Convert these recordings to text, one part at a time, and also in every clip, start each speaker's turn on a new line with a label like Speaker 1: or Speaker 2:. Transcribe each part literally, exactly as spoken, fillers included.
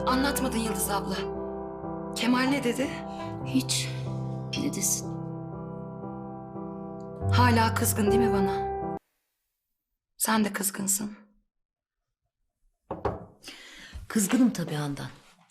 Speaker 1: Anlatmadın Yıldız abla. Kemal ne dedi?
Speaker 2: Hiç. Ne desin?
Speaker 1: Hala kızgın değil mi bana? Sen de kızgınsın.
Speaker 2: Kızgınım tabii Handan.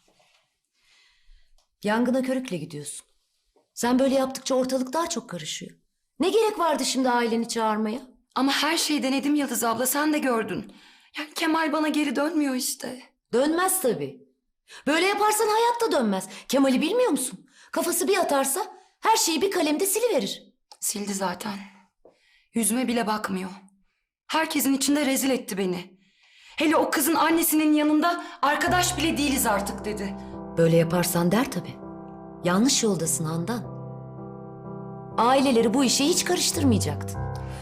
Speaker 2: Yangına körükle gidiyorsun. Sen böyle yaptıkça ortalık daha çok karışıyor. Ne gerek vardı şimdi aileni çağırmaya?
Speaker 1: Ama her şeyi denedim Yıldız abla, sen de gördün. Yani Kemal bana geri dönmüyor işte.
Speaker 2: Dönmez tabii. Böyle yaparsan hayatta dönmez. Kemal'i bilmiyor musun? Kafası bir atarsa her şeyi bir kalemde siliverir.
Speaker 1: Sildi zaten. Yüzüme bile bakmıyor. Herkesin içinde rezil etti beni. Hele o kızın annesinin yanında arkadaş bile değiliz artık dedi.
Speaker 2: Böyle yaparsan der tabii. Yanlış yoldasın Handan. Aileleri bu işe hiç karıştırmayacaktın.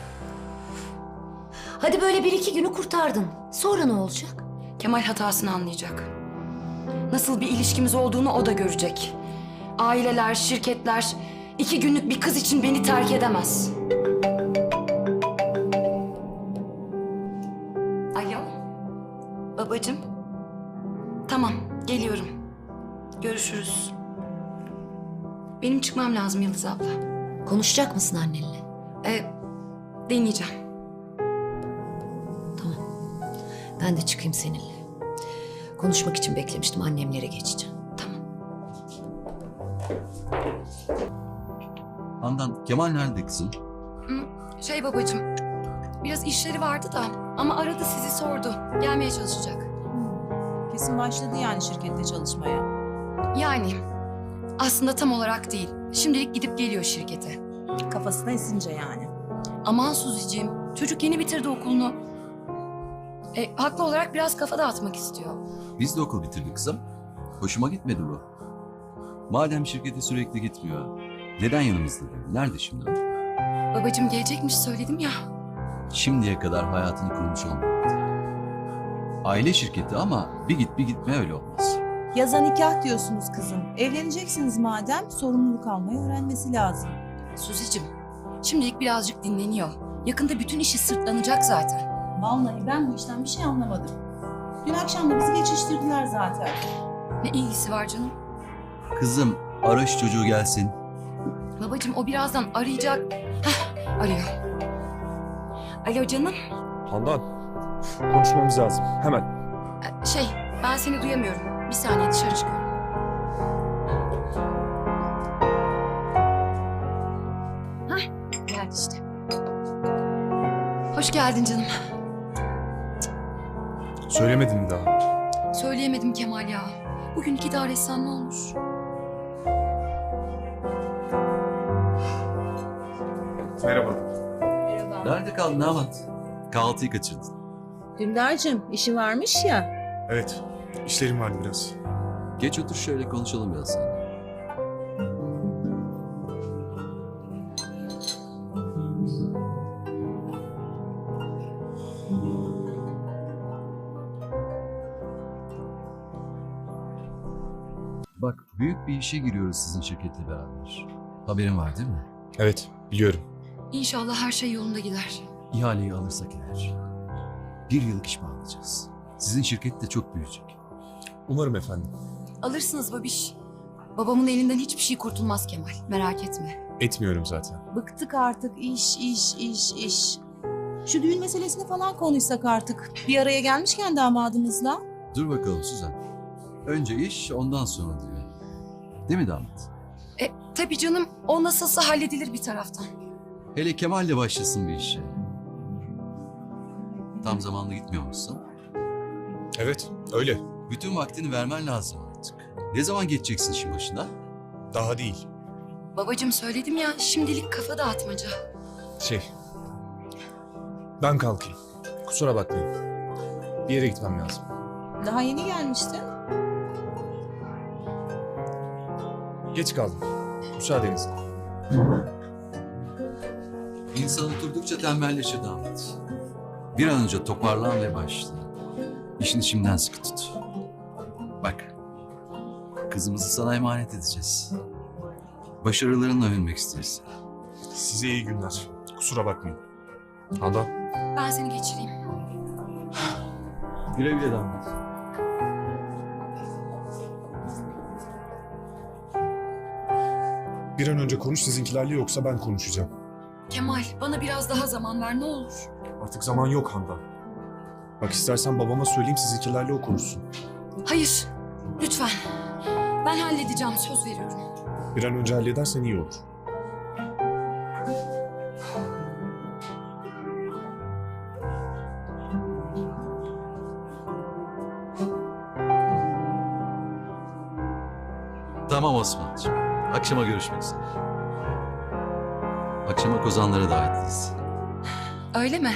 Speaker 2: Hadi böyle bir iki günü kurtardın. Sonra ne olacak?
Speaker 1: Kemal hatasını anlayacak. Nasıl bir ilişkimiz olduğunu o da görecek. Aileler, şirketler iki günlük bir kız için beni terk edemez. Alo, babacığım. Tamam, geliyorum. Görüşürüz. Benim çıkmam lazım Yıldız abla.
Speaker 2: Konuşacak mısın annenle?
Speaker 1: Ee, deneyeceğim.
Speaker 2: Tamam. Ben de çıkayım seninle. Konuşmak için beklemiştim. Annemlere geçeceğim.
Speaker 1: Tamam.
Speaker 3: Handan, Kemal nerede kızım?
Speaker 1: Şey babacığım, biraz işleri vardı da ama aradı sizi sordu. Gelmeye çalışacak.
Speaker 4: Kesin başladı yani şirkette çalışmaya.
Speaker 1: Yani aslında tam olarak değil. Şimdilik gidip geliyor şirkete.
Speaker 4: Kafasına esince yani.
Speaker 1: Aman Suzi'ciğim, çocuk yeni bitirdi okulunu. E, haklı olarak biraz kafa dağıtmak istiyor.
Speaker 3: Biz de okul bitirdik kızım. Hoşuma gitmedi bu. Madem şirkete sürekli gitmiyor, neden yanımızda değil? Nerede şimdi o?
Speaker 1: Babacığım gelecekmiş söyledim ya.
Speaker 3: Şimdiye kadar hayatını kurmuş olmadı. Aile şirketi ama bir git bir gitme öyle olmaz.
Speaker 4: Yaza nikah diyorsunuz kızım. Evleneceksiniz madem sorumluluk almayı öğrenmesi lazım.
Speaker 1: Suzi'cim, şimdilik birazcık dinleniyor. Yakında bütün işi sırtlanacak zaten.
Speaker 4: Vallahi ben bu işten bir şey anlamadım. Dün akşam da bizi geçiştirdiler zaten.
Speaker 1: Ne ilgisi var canım?
Speaker 3: Kızım, ara şu çocuğu gelsin.
Speaker 1: Babacığım o birazdan arayacak. Hah, arıyor. Alo canım.
Speaker 5: Handan, konuşmamız lazım. Hemen.
Speaker 1: E, Şey, ben seni duyamıyorum. Bir saniye dışarı çıkıyorum. Hah, geldi işte. Hoş geldin canım.
Speaker 5: Söylemedin mi daha?
Speaker 1: Söyleyemedim Kemal ya. Bugün idare etsen ne olur?
Speaker 5: Merhaba.
Speaker 4: Merhaba.
Speaker 3: Nerede kaldın Ahmet? Kahvaltıyı kaçırdın.
Speaker 4: Dündar'cığım işi varmış ya.
Speaker 5: Evet, işlerim vardı biraz.
Speaker 3: Geç otur şöyle konuşalım biraz seninle. Bak, büyük bir işe giriyoruz sizin şirketle beraber. Haberin var değil mi?
Speaker 5: Evet, biliyorum.
Speaker 1: İnşallah her şey yolunda gider.
Speaker 3: İhaleyi alırsak eğer bir yıllık iş bağlayacağız. Sizin şirket de çok büyüyecek.
Speaker 5: Umarım efendim.
Speaker 1: Alırsınız babiş. Babamın elinden hiçbir şey kurtulmaz Kemal. Merak etme.
Speaker 5: Etmiyorum zaten.
Speaker 4: Bıktık artık iş iş iş iş. Şu düğün meselesini falan konuşsak artık. Bir araya gelmişken damadımızla.
Speaker 3: Dur bakalım Suzan. Önce iş, ondan sonra düğün. Değil mi damat?
Speaker 1: E tabii canım, o nasılsa halledilir bir taraftan.
Speaker 3: Hele Kemal'le başlasın bir işe. Tam zamanlı gitmiyor musun?
Speaker 5: Evet, öyle.
Speaker 3: Bütün vaktini vermen lazım artık. Ne zaman geçeceksin işin başına?
Speaker 5: Daha değil.
Speaker 1: Babacığım söyledim ya, şimdilik kafa dağıtmaca.
Speaker 5: Şey, ben kalkayım. Kusura bakmayın. Bir yere gitmem lazım.
Speaker 4: Daha yeni gelmiştin.
Speaker 5: Geç kaldım. Müsaadenizle.
Speaker 3: İnsan oturdukça tembelleşir damat. Bir an önce toparlan ve başla. İşini şimdiden sıkı tut. Bak, kızımızı sana emanet edeceğiz. Başarılarınla övünmek isteriz.
Speaker 5: Size iyi günler. Kusura bakmayın. Handan.
Speaker 1: Ben seni geçireyim.
Speaker 3: Güle güle damat.
Speaker 5: Bir an önce konuş sizinkilerle, yoksa ben konuşacağım.
Speaker 1: Kemal, bana biraz daha zaman ver ne olur.
Speaker 5: Artık zaman yok Handan. Bak istersen babama söyleyeyim, sizinkilerle o konuşsun.
Speaker 1: Hayır, lütfen. Ben halledeceğim, söz veriyorum.
Speaker 5: Bir an önce halledersen iyi olur.
Speaker 3: Tamam Osman'cığım. Akşama görüşmek üzere. Akşama kozanlara davetliyiz.
Speaker 1: Öyle mi?